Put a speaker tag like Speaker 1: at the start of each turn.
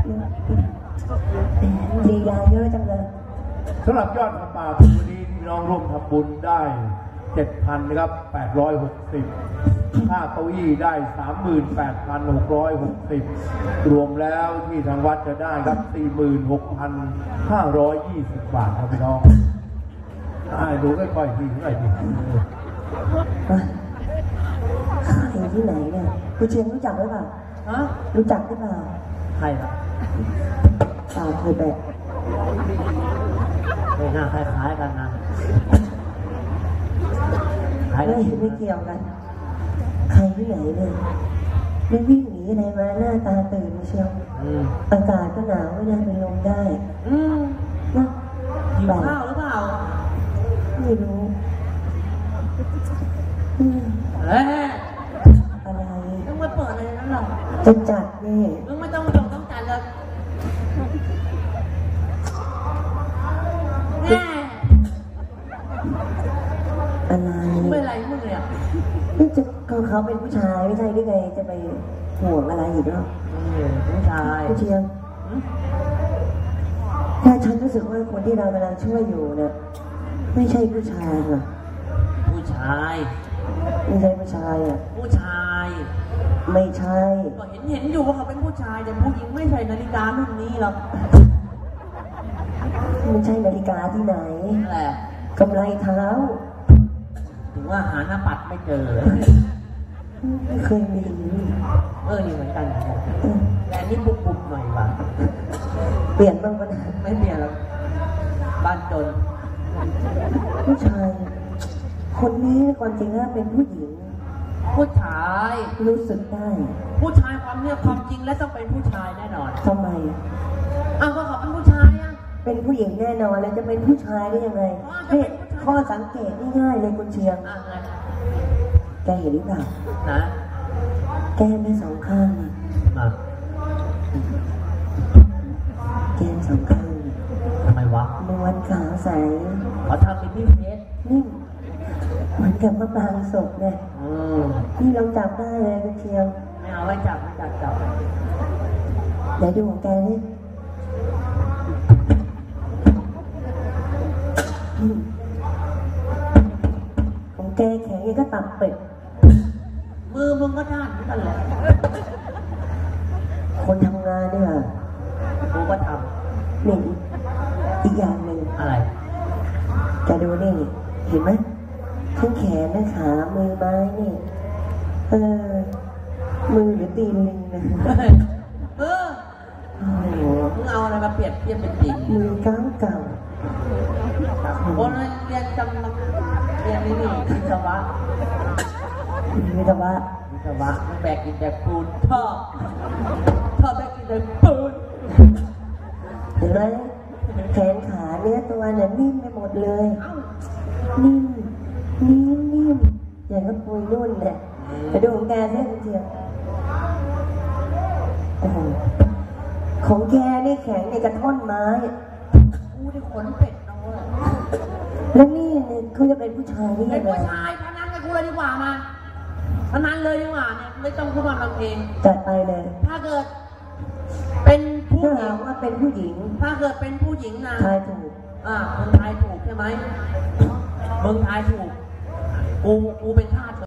Speaker 1: ลีลาเยอะจังเลย
Speaker 2: สำหรับยอดกระป่าวันนี้พี่น้องร่วมทำบุญได้ 7,000 นะครับ860ค่าเก้าอี้ได้ 38,660 รวมแล้วที่ทางวัดจะได้ครับ 46,520 บาทครับพี่น้องดูค่อยๆทีใคร
Speaker 1: ที่ไหนเนี่ยคุณเชียงรู้จักหรือเปล่ารู้จักหรือเปล่า
Speaker 3: ใครครับ
Speaker 1: เคยแบบ
Speaker 3: ไม่น่าคล้ายๆกันนะ
Speaker 1: ไม่เกี่ยวกันใครที่ไหนเนี่ยไม่วิ่งหนีอะไรมาหน้าตาตื่นเชียวอากาศก็หนาวไม่น่าเป็นลมได้
Speaker 3: นะหิวข้าวหรือเปล่า
Speaker 1: ไม่รู้อะไร
Speaker 3: ต้องมาเปิดอะไรนั่นหรอ
Speaker 1: จะจัดนี่
Speaker 3: มึงไม่ต้องจัดเลย
Speaker 1: อะไร
Speaker 3: ไม่อะไรมึงเลยอ่ะ
Speaker 1: นี่จะเขาเป็นผู้ชายไม่ใช่หรือไงจะไปห่วงอะไรอีกแล้ว
Speaker 3: ผู้ชาย
Speaker 1: ผู้เชียงแต่ฉันรู้สึกว่าคนที่เรากำลังช่วยอยู่เนี่ยไม่ใช่ผู้ชายหรอ
Speaker 3: ผู้ชาย
Speaker 1: ไม่ใช่ผู้ชายอ่ะ
Speaker 3: ผู้ชาย
Speaker 1: ไม่ใช่
Speaker 3: ก็เห็นอยู่ว่าเขาเป็นผู้ชายแต่ผู้หญิงไม่ใช่นาฬิการุ่นนี้หรอก
Speaker 1: ไม่ใช่นาฬิกาที่ไหน
Speaker 3: อะไร
Speaker 1: กำไรเท้า
Speaker 3: ถึงว่าหาหน้าปัดไม่เจอ
Speaker 1: ไม่เคยมี
Speaker 3: นี่เหมือนกันแต่นี่บุบๆหน่อยว่ะ
Speaker 1: เปลี่ยนบ้างปะ
Speaker 3: ไม่เปลี่ยนแล้วบ้านจน
Speaker 1: ผู้ชายคนนี้ความจริงแล้วเป็นผู้หญิง
Speaker 3: ผู้ชาย
Speaker 1: รู้สึกได้
Speaker 3: ผู้ชายความจริงแล้วต้องเป็นผู้ชายแน่นอน
Speaker 1: ทำไม
Speaker 3: ก็เขาเป็นผู้ชายอ่ะ
Speaker 1: เป็นผู้หญิงแน่นอนแล้วจะเป็นผู้ชายได้ยังไงนี่ข้อสังเกตง่ายๆเลยคุณเชียงแกเห็นหรือเปล่า
Speaker 3: นะ
Speaker 1: แก้มได้2 ข้างแก้ม2 ข้าง
Speaker 3: ทำไมวะ
Speaker 1: นวลขาวใส
Speaker 3: เขาทำเป็นพี่เพชร
Speaker 1: นี่เหมือนกับมะปรางสดเนี่ยนี่เราจับได้เลยคุณเชียง
Speaker 3: ไม่เอาไว้จับ
Speaker 1: เดี๋ยวดูของแกนี่ของแกแข็งยังก็ตับเป็ด
Speaker 3: มือมึงก็ด้านนั่นแหละ
Speaker 1: คนทำงานเนี่ย
Speaker 3: กูก็ท
Speaker 1: ำนี่อีกอย่างหนึ่ง
Speaker 3: อะไร
Speaker 1: แกดูนี่เห็นไหมทั้งแขนทั้งขามือไม้นี่มือหรือตีนลิงนะ
Speaker 3: มึงเอาอะไรมาเปรียบเทียบเป็นจริง
Speaker 1: มือเก่า
Speaker 3: คนเรียนจำเรียนนี่วิศวะ
Speaker 1: ไม่
Speaker 3: แบกกินแต่ปูนชอบแบกกินแต่ปูน
Speaker 1: เห็นไหมแขนขาเนื้อตัวเนี่ยนิ่มไปหมดเลยนิ่มอย่างกับปุยนุ่นเนี่ยไปดูของแกใช่ไหมเชียวของแกนี่แข็งในกระท่อนไม้
Speaker 3: กูได้ขนเป็ดน้อง
Speaker 1: แล้วนี่เขาจะเป็นผู้ชายนี่
Speaker 3: เป็นผู้ชายพนันกับกูเลยดีกว่ามาพนันเลยดีกว่าเนี่ยไม่ต้องพูดมาทำเอง
Speaker 1: จัดไปเลย
Speaker 3: ถ้าเกิดเป็นผู้หญิง
Speaker 1: ว่าเป็นผู้หญิง
Speaker 3: ถ้าเกิดเป็นผู้หญิงนะ
Speaker 1: ทายถูก
Speaker 3: มึงทายถูกใช่ไหมมึงทายถูกกูเป็นทาส